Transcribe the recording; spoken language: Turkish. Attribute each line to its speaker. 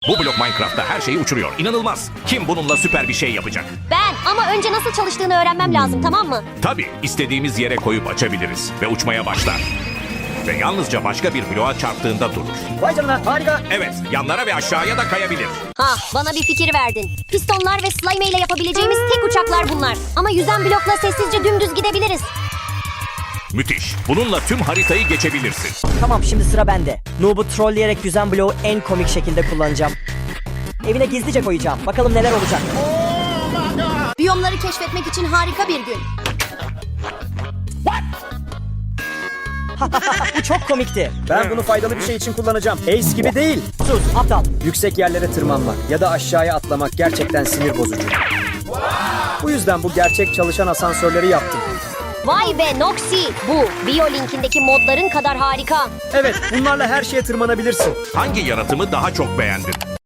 Speaker 1: Bu blok Minecraft'ta her şeyi uçuruyor. İnanılmaz. Kim bununla süper bir şey yapacak?
Speaker 2: Ben ama önce nasıl çalıştığını öğrenmem lazım, tamam mı?
Speaker 1: Tabii istediğimiz yere koyup açabiliriz ve uçmaya başlar. Ve yalnızca başka bir bloğa çarptığında durur.
Speaker 3: Vay canına, harika.
Speaker 1: Evet, yanlara ve aşağıya da kayabilir.
Speaker 2: Ha, bana bir fikir verdin. Pistonlar ve slime ile yapabileceğimiz tek uçaklar bunlar. Ama yüzen blokla sessizce dümdüz gidebiliriz.
Speaker 1: Müthiş. Bununla tüm haritayı geçebilirsin.
Speaker 3: Tamam, şimdi sıra bende. Noob'u trolleyerek yüzen bloğu en komik şekilde kullanacağım. Evine gizlice koyacağım. Bakalım neler olacak.
Speaker 2: Biyomları keşfetmek için harika bir gün.
Speaker 3: Bu çok komikti.
Speaker 4: Ben bunu faydalı bir şey için kullanacağım. Ace gibi değil.
Speaker 3: Sus, aptal.
Speaker 4: Yüksek yerlere tırmanmak ya da aşağıya atlamak gerçekten sinir bozucu. Bu yüzden bu gerçek çalışan asansörleri yaptım.
Speaker 2: Vay be Noxy, bu Biolink'indeki modların kadar harika.
Speaker 4: Evet, bunlarla her şeye tırmanabilirsin.
Speaker 1: Hangi yaratımı daha çok beğendin?